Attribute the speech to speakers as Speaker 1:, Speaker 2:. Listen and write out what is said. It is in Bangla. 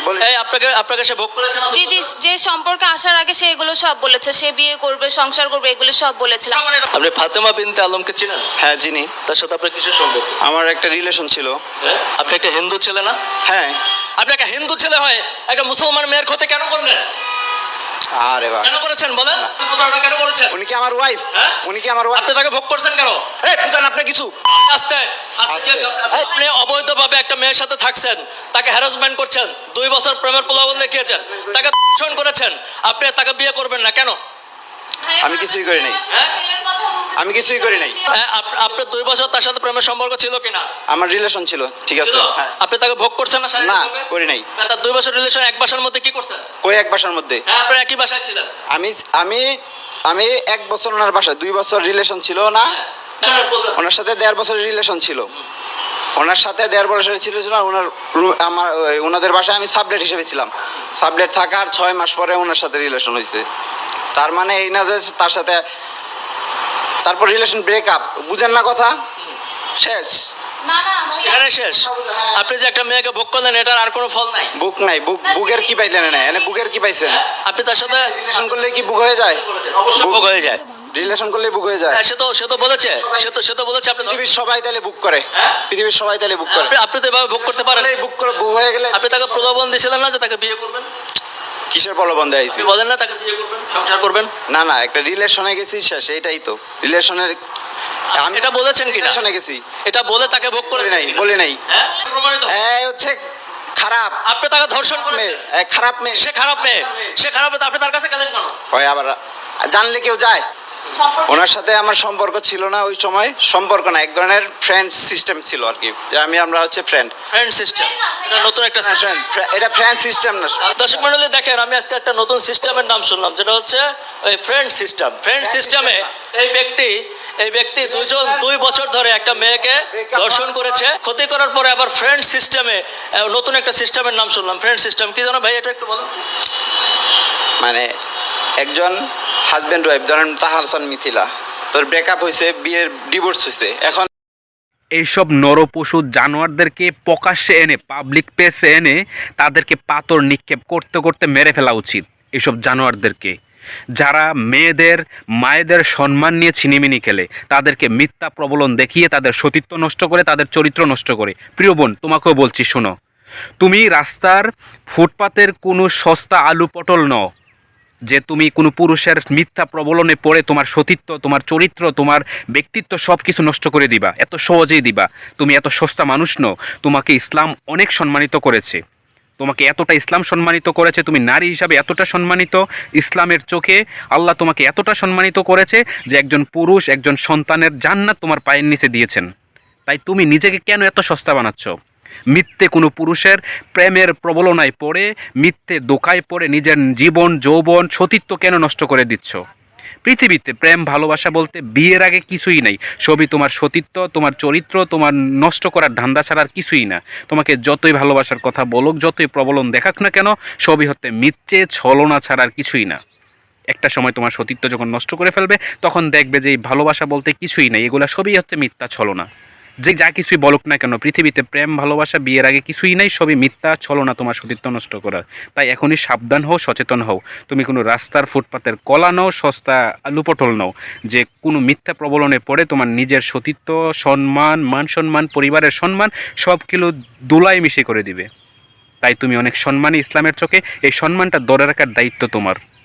Speaker 1: এই আপনাকে সে ভোগ করেছে না?
Speaker 2: জি জি, যে সম্পর্কে আসার আগে সে এগুলো সব বলেছে, সে বিয়ে করবে, সংসার করবে, এগুলো সব বলেছিল।
Speaker 1: আপনি ফাতেমা বিনতে আলমকে চিনেন?
Speaker 3: হ্যাঁ চিনি।
Speaker 1: তার সাথে আপনার কিসের সম্পর্ক?
Speaker 3: আমার একটা রিলেশন ছিল।
Speaker 1: আপনি একটা হিন্দু ছেলে না?
Speaker 3: হ্যাঁ।
Speaker 1: আপনি একটা হিন্দু ছেলে হয় একটা মুসলমান মেয়ের ক্ষতি কেন করলেন?
Speaker 3: আরে বাবা,
Speaker 1: কেন করেছেন বলেন? প্রতারণা কেন করেছেন?
Speaker 3: উনি কি আমার ওয়াইফ?
Speaker 1: হ্যাঁ?
Speaker 3: উনি কি আমার ওয়াইফ?
Speaker 1: আপনি তাকে ভোগ করছেন কেন?
Speaker 3: এই বুঝান আপনি কিছু।
Speaker 1: আস্তে আস্তে আপনি অবৈধভাবে একটা মেয়ের সাথে থাকছেন, তাকে হ্যারাসমেন্ট করছেন, 2 বছর প্রেমের প্রলোভন দেখিয়েছেন, তাকে ধর্ষণ করেছেন, আপনি তাকে বিয়ে করবেন না কেন?
Speaker 3: আমি কিছুই করি নাই।
Speaker 1: হ্যাঁ?
Speaker 3: আমি কিছুই করি নাই।
Speaker 1: আপনার 2 বছর তার সাথে প্রেমের সম্পর্ক ছিল কিনা?
Speaker 3: আমার রিলেশন ছিল, ঠিক আছে।
Speaker 1: ছিল?
Speaker 3: হ্যাঁ।
Speaker 1: আপনি তাকে ভোগ করছেন না?
Speaker 3: না
Speaker 1: শারীরিকভাবে?
Speaker 3: করি নাই।
Speaker 1: তার 2 বছর রিলেশন এক বাসার মধ্যে কি করছেন?
Speaker 3: কই এক বাসার মধ্যে?
Speaker 1: হ্যাঁ, আপনারা একই বাসায় ছিলেন।
Speaker 3: আমি আমি আমি 1 বছর ওনার বাসায়, 2 বছর রিলেশন ছিল না। ওনার সাথে 1.5 বছরের রিলেশন ছিল। ওনার সাথে 1.5 বছরের ছিল না। ওনাদের বাসায় আমি সাবলেট হিসেবে ছিলাম। সাবলেট থাকার 6 মাস পরে ওনার সাথে রিলেশন হয়েছে। তার মানে এই না যে তার সাথে তারপর রিলেশন ব্রেকআপ। বুঝেন না কথা? শেষ।
Speaker 2: না না,
Speaker 1: এখানে শেষ। আপনি যে একটা মেয়েকে ভোগ করলেন, এটার আর কোনো ফল নাই।
Speaker 3: বুক নাই। বুকের কি পাইলেন? না এনে বুকের কি পাইছেন?
Speaker 1: আপনি তার সাথে
Speaker 3: রিলেশন করলে কি বুক হয়ে যায়?
Speaker 1: অবশ্যই ভোগ হয়ে যায়।
Speaker 3: রিলেশন করলে বুক হয়ে যায়।
Speaker 1: হ্যাঁ, সে তো বলেছে, সে তো বলেছে আপনি
Speaker 3: পৃথিবীর সবাই তাহলে বুক করে।
Speaker 1: হ্যাঁ?
Speaker 3: পৃথিবীর সবাই তাহলে বুক করে।
Speaker 1: আপনি তো এভাবে ভোগ করতে পারেন।
Speaker 3: বুক করে বুক হয়ে গেলে
Speaker 1: আপনি তাকে প্রলোভন দিয়েছিলেন না যে তাকে বিয়ে করবেন?
Speaker 3: কিসের প্রলোভন দেয়াইছি?
Speaker 1: আপনি বলেন না তাকে বিয়ে করবেন, সংসার করবেন?
Speaker 3: না না, একটা রিলেশনে গেছি, শেষ। এটাই তো রিলেশনের।
Speaker 1: আমি এটা বলেছেন কিনা?
Speaker 3: রিলেশনে গেছি।
Speaker 1: এটা বলে তাকে ভোগ করে
Speaker 3: বলি নাই, বলি নাই।
Speaker 1: হ্যাঁ, প্রমাণিত।
Speaker 3: এই হচ্ছে খারাপ
Speaker 1: আপনি তাকে ধর্ষণ
Speaker 3: মেয়ে,
Speaker 1: করেছেন।
Speaker 3: খারাপ মেয়ে।
Speaker 1: সে খারাপ মেয়ে, সে খারাপ মেয়ে, তো আপনি তার কাছে গেলেন কেন?
Speaker 3: হয় আবার জানলে কেউ যায়? ওনার সাথে আমার সম্পর্ক ছিল না ওই সময়। সম্পর্ক না, এক ধরনের ফ্রেন্ড সিস্টেম ছিল আর কি। যে আমরা হচ্ছে ফ্রেন্ড।
Speaker 1: ফ্রেন্ড সিস্টেম, এটা নতুন একটা সিস্টেম।
Speaker 3: এটা ফ্রেন্ড সিস্টেম না।
Speaker 1: দর্শক মণ্ডলী দেখেন, আমি আজকে একটা নতুন সিস্টেমের নাম শুনলাম, যেটা হচ্ছে ওই ফ্রেন্ড সিস্টেম। ফ্রেন্ড সিস্টেমে এই ব্যক্তি 2 বছর ধরে একটা মেয়েকে ধর্ষণ করেছে, ক্ষতি করার পরে আবার ফ্রেন্ড সিস্টেমে নতুন একটা সিস্টেমের নাম শুনলাম। ফ্রেন্ড সিস্টেম কি জানো ভাই? এটা একটু বলুন।
Speaker 3: মানে একজন হাজবেন্ড ওয়াইফ, ধরেন তাহার হাসান মিথিলা, তোর ব্রেকআপ হয়েছে, বিয়ের ডিভোর্স হয়েছে, এখন
Speaker 4: এইসব নরপশু জানোয়ারদেরকে প্রকাশ্যে এনে পাবলিক প্লেসে এনে তাদেরকে পাথর নিক্ষেপ করতে করতে মেরে ফেলা উচিত। এইসব জানোয়ারদেরকে, যারা মায়েদের সম্মান নিয়ে ছিনিমিনি খেলে, তাদেরকে মিথ্যা প্রবলন দেখিয়ে তাদের সতীত্ব নষ্ট করে, তাদের চরিত্র নষ্ট করে। প্রিয় বোন, তোমাকেও বলছি, শোনো, তুমি রাস্তার ফুটপাতের কোনো সস্তা আলু পটল নও যে তুমি কোনো পুরুষের মিথ্যা প্রবলনে পড়ে তোমার সতীত্ব, তোমার চরিত্র, তোমার ব্যক্তিত্ব সব কিছু নষ্ট করে দিবা। এত সহজেই দিবা? তুমি এত সস্তা মানুষ নও। তোমাকে ইসলাম অনেক সম্মানিত করেছে। তোমাকে এতটা ইসলাম সম্মানিত করেছে, তুমি নারী হিসাবে এতটা সম্মানিত ইসলামের চোখে। আল্লাহ তোমাকে এতটা সম্মানিত করেছে যে একজন পুরুষ, একজন সন্তানের জান্নাত তোমার পায়ের নিচে দিয়েছেন। তাই তুমি নিজেকে কেন এত সস্তা বানাচ্ছ? মিথ্যে কোনো পুরুষের প্রেমের প্রবলনায় পড়ে, মিথ্যে দোকায় পড়ে নিজের জীবন, যৌবন, সতীত্ব কেন নষ্ট করে দিচ্ছ? পৃথিবীতে প্রেম ভালোবাসা বলতে বিয়ের আগে কিছুই নাই। সবই তোমার সতীত্ব, তোমার চরিত্র, তোমার নষ্ট করার ধান্দা ছাড়া আর কিছুই না। তোমাকে যতই ভালোবাসার কথা বলুক, যতই প্রবলন দেখাক না কেন, সবই হচ্ছে মিথ্যে ছলনা ছাড়া আর কিছুই না। একটা সময় তোমার সতীত্ব যখন নষ্ট করে ফেলবে, তখন দেখবে যে এই ভালোবাসা বলতে কিছুই নাই, এগুলা সবই হচ্ছে মিথ্যা ছলনা। যে যা কিছুই বলুক না কেন, পৃথিবীতে প্রেম ভালোবাসা বিয়ের আগে কিছুই নাই, সবই মিথ্যা ছলনা তোমার সতীত্ব নষ্ট করার। তাই এখনই সাবধান হও, সচেতন হও। তুমি কোনো রাস্তার ফুটপাতের কলা নও, সস্তা আলু পটল নও যে কোনো মিথ্যা প্রবলনে পড়ে তোমার নিজের সতীত্ব, সম্মান, মান সম্মান, পরিবারের সম্মান সব কিলো দোলায় মিশে করে দিবে। তাই তুমি অনেক সম্মানী ইসলামের চোখে। এই সম্মানটা ধরে রাখার দায়িত্ব তোমার।